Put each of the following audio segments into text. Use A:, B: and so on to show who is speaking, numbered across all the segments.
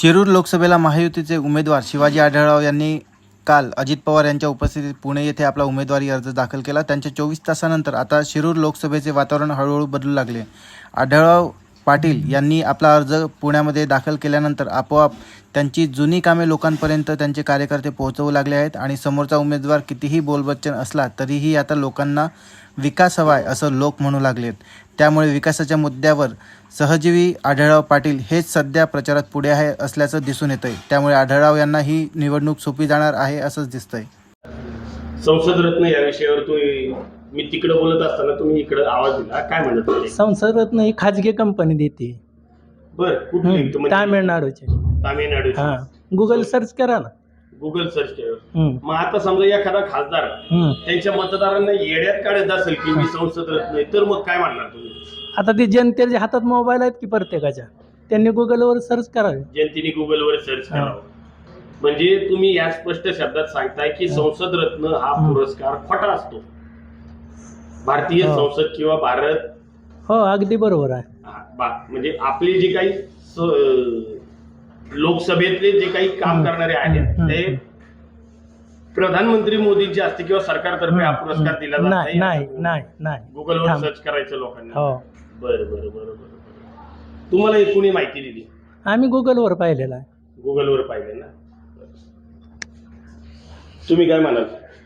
A: शिरूर लोकसभेला महायुतीचे उमेदवार शिवाजी आढळराव यांनी काल अजित पवार यांच्या उपस्थितीत पुणे येथे आपला उमेदवारी अर्ज दाखल केला. त्यांच्या 24 तासानंतर आता शिरूर लोकसभेचे वातावरण हळूहळू बदलू लागले. आढळराव पाटील यांनी आपला अर्ज पुण्यामध्ये दाखल केल्यानंतर आपोआप त्यांची जुनी कामे लोकांपर्यंत त्यांचे कार्यकर्ते पोहोचवू लागले आहेत आणि समोरचा उमेदवार कितीही बोलबच्चन असला तरीही आता लोकांना विकास हवाय असं लोक म्हणू लागलेत. त्यामुळे विकासाच्या मुद्द्यावर सहजीवी आढळराव पाटील हेच सध्या प्रचारात पुढे आहे असल्याचं दिसून येतंय. त्यामुळे आढळराव यांना ही निवडणूक सोपी जाणार आहे असंच दिसतंय.
B: संसद रत्न या विषयावर तुम्ही मी तिकडे बोलत असताना तुम्ही इकडे आवाज दिला, काय म्हणत होते?
C: संसद रत्न ही खाजगी कंपनी देते.
B: बर, कुठली?
C: तामिळनाडूची.
B: तामिळनाडू.
C: हा, गुगल सर्च करा ना.
B: गुगल सर्च केलं. मग आता समजा एखादा खासदार त्यांच्या मतदारांना येड्यात काढत असेल की मी संसद रत्न आहे, तर मग काय म्हणणार तुम्ही?
C: आता ते जनतेच्या हातात मोबाईल आहेत की प्रत्येकाच्या, त्यांनी गुगलवर सर्च करावे.
B: जनतेने गुगलवर सर्च करावं. म्हणजे तुम्ही या स्पष्ट शब्दात सांगताय की संसद रत्न हा पुरस्कार खोटा असतो. भारतीय संसद किंवा भारत,
C: हो अगदी बरोबर आहे.
B: म्हणजे आपली जी काही लोकसभेतले जे काही काम करणारे आहेत ते प्रधानमंत्री मोदींचे असते किंवा सरकारतर्फे हा पुरस्कार दिला जात
C: नाही नाही नाही नाही.
B: गुगलवर सर्च करायचं लोकांना.
C: हो,
B: बरं बरं बरं बरं. तुम्हाला एक कोणी माहिती दिली?
C: आम्ही गुगलवर पाहिलेला आहे.
B: गुगलवर पाहिले ना. तुम्ही काय म्हणाल?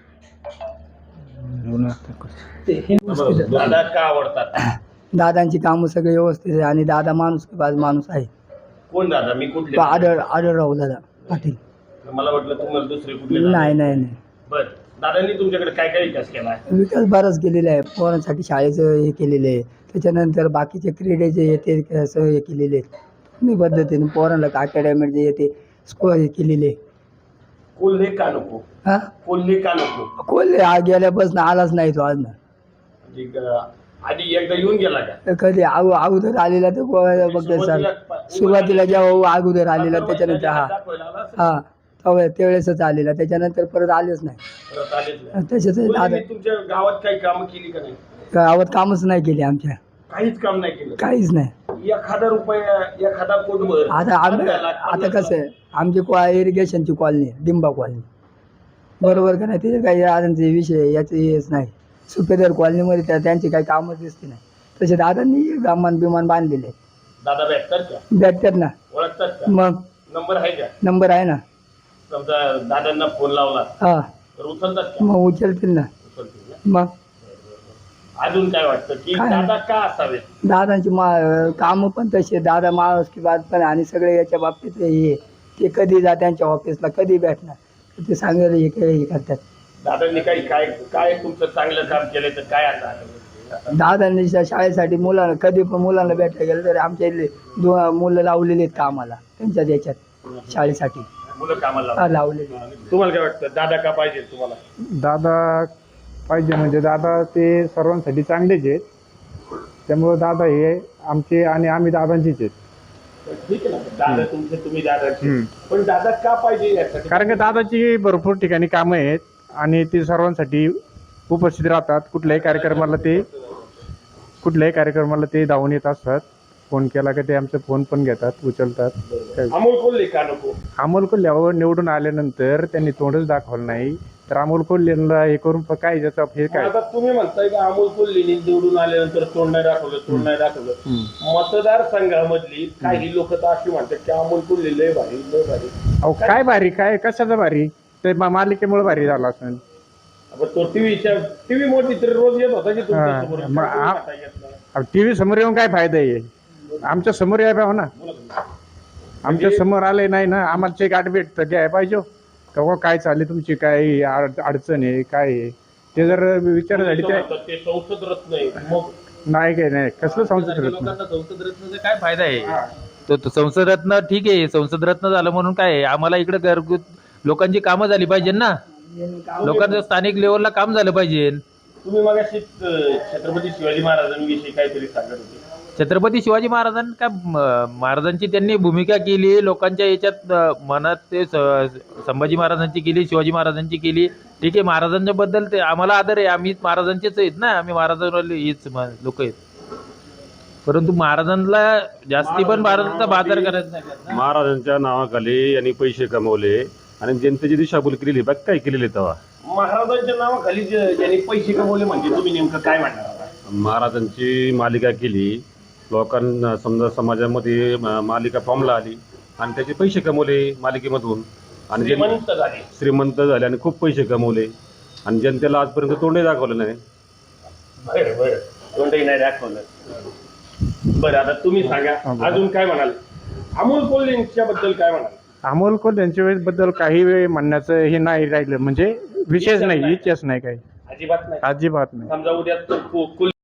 B: दादा का आवडतात?
D: दादांची कामं सगळे व्यवस्थित आहे आणि दादा माणूस माणूस आहे.
B: कोण दादा? मी कुठले?
D: आढळराव दादा पाटील.
B: मला वाटलं तुम्हाला दुसरे कुठले?
D: नाही नाही नाही.
B: बर, दादांनी तुमच्याकडे काय काय विकास केला आहे?
D: विकास बराच केलेला आहे. पोरांसाठी शाळेचं हे केलेलं आहे. त्याच्यानंतर बाकीचे क्रीडेचे येते असं हे केलेले आहेत पद्धतीने. पोरांना अकॅडमी जे येते स्कोअर हे केलेले.
B: कोल्हे का नको?
D: हा,
B: कोल्हे का नको?
D: कोल्हे गेल्यापासून आलाच नाही तो आज ना.
B: आधी एकदा येऊन गेला का?
D: कधी अगोदर आलेला तर बघ सर, सुरुवातीला जेव्हा अगोदर आलेला त्याच्यानंतर हा त्यावेळेसच आलेला, त्याच्यानंतर परत आलेच नाही. त्याच्यात दादा
B: तुमच्या गावात काही कामं केली का नाही?
D: गावात कामच नाही केले आमच्या.
B: काहीच काम नाही केलं?
D: काहीच नाही.
B: 1000 रुपये, 1000 कोटभर.
D: आता कसं आहे, आमची इरिगेशनची कॉलनी डिंबा कॉलनी, बरोबर का नाही? त्याचे काही आधांचे विषय याचे हेच नाही. सुपेदार कॉलनीमध्ये त्यांची काही कामच दिसते नाही. तसे दादांनी विमान बिमान बांधलेले.
B: दादा भेटतात का?
D: भेटतात ना.
B: ओळखतात का?
D: मग
B: नंबर आहे का?
D: नंबर आहे ना.
B: समजा दादांना फोन लावला
D: हा,
B: तर उचलतात का?
D: मग उचलतील ना.
B: उचलतील ना.
D: मग
B: अजून काय वाटतं की
D: काय?
B: दादा का असावेत?
D: दादांची कामं पण तसे. दादा माणूस की बात पण आणि सगळे याच्या बाबतीत हे ते कधी जा त्यांच्या ऑफिसला कधी भेटणार ते सांगायला हे करतात.
B: दादांनी काही काय काय तुमचं चांगलं काम केलं तर काय आता?
D: दादांनी शाळेसाठी मुलांना कधी पण मुलांना भेटायला गेलं तर आमच्या इथले मुलं लावलेले आहेत कामाला त्यांच्या याच्यात शाळेसाठी
B: मुलं कामाला
D: लावलेले.
B: तुम्हाला काय वाटतं दादा का पाहिजे तुम्हाला?
E: दादा पाहिजे म्हणजे दादा ते सर्वांसाठी चांगलेच आहेत. त्यामुळं दादा हे आमचे आणि आम्ही दादांचीच आहेत.
B: ठीक आहे ना, दादा तुमचे तुम्ही दादाचे, पण दादा का पाहिजे यासाठी?
E: कारण की दादाची भरपूर ठिकाणी कामं आहेत आणि ते सर्वांसाठी उपस्थित राहतात. कुठल्याही कार्यक्रमाला ते धावून येत असतात. फोन केला की ते आमचा फोन पण घेतात, उचलतात.
B: अमोल कोल्हे का नको?
E: अमोल कोल्ह्यावर निवडून आल्यानंतर त्यांनी तोंडच दाखवलं नाही तर अमोल कोल्हेला हे करून काय ज्याचं हे काय?
B: आता तुम्ही म्हणताय की अमोल कोल्हेनी निवडून आल्यानंतर तोंड नाही दाखवलं. मतदारसंघामधली काही लोक तर अशी म्हणतात की अमोल कोल्हे लय भारी लय भारी.
E: अहो काय भारी, काय कशाचं भारी? ते मालिकेमुळे भारी झाला असेल.
B: तो टीव्ही मोठी तर रोज येत होता की
E: टीव्ही समोर येऊन काय फायदा आहे? आमच्या समोर याय पाहिजे ना. आमच्या समोर आले नाही ना, आम्हाला ते गाठ भेट घ्याय पाहिजे का काय चालली तुमची, काय अडचण आहे, काय आहे ते जर विचार झाली
B: ते संसद रत्न आहे. मग
E: नाही काय नाही कसलं संसद रत्न?
F: संसद रत्नाचा काय फायदा आहे? तो संसद रत्न ठीक आहे, संसद रत्न झालं म्हणून काय आहे? आम्हाला इकडे घरगुत लोकांची कामं झाली पाहिजे ना. लोकांचं स्थानिक लेवलला काम झालं पाहिजे.
B: तुम्ही मगाशी छत्रपती शिवाजी महाराजांविषयी काहीतरी सांगत होते.
F: छत्रपती शिवाजी महाराजांची त्यांनी भूमिका केली लोकांच्या याच्यात मनात. ते संभाजी महाराजांची केली, शिवाजी महाराजांची केली. ठीक आहे, महाराजांच्या बद्दल ते आम्हाला आदर आहे. आम्ही महाराजांचेच आहेत ना, आम्ही महाराजांवाले हीच लोक आहेत. परंतु महाराजांना जास्ती पण भारताचा बाजार करायचा नाही.
G: महाराजांच्या नावाखाली यांनी पैसे कमवले आणि जनतेची दिशाभूल केलेली बाकी काय केलेली तेव्हा.
B: महाराजांच्या नावाखाली ज्यांनी पैसे कमवले म्हणजे तुम्ही नेमकं काय म्हणणार आता?
G: महाराजांची मालिका केली, लोकांना समजा समाजामध्ये मालिका फॉर्मला आली आणि त्याचे पैसे कमवले मालिकेमधून आणि
B: श्रीमंत झाले.
G: श्रीमंत झाले आणि खूप पैसे कमवले आणि जनतेला आजपर्यंत तोंडही दाखवलं नाही.
B: बरं बरं, कोणतंही नाही दाखवलं. बरं, आता तुम्ही सांगा अजून काय म्हणाल? अमोल कोल्हेंच्या बद्दल काय म्हणाल?
E: अमोल कोल्हे यांच्या वेळेबद्दल काही वेळ म्हणण्याचं हे नाही राहिलं, म्हणजे विशेष नाही, इतिहास नाही काही,
B: अजिबात नाही.
E: अजिबात नाही.
B: समजा उद्या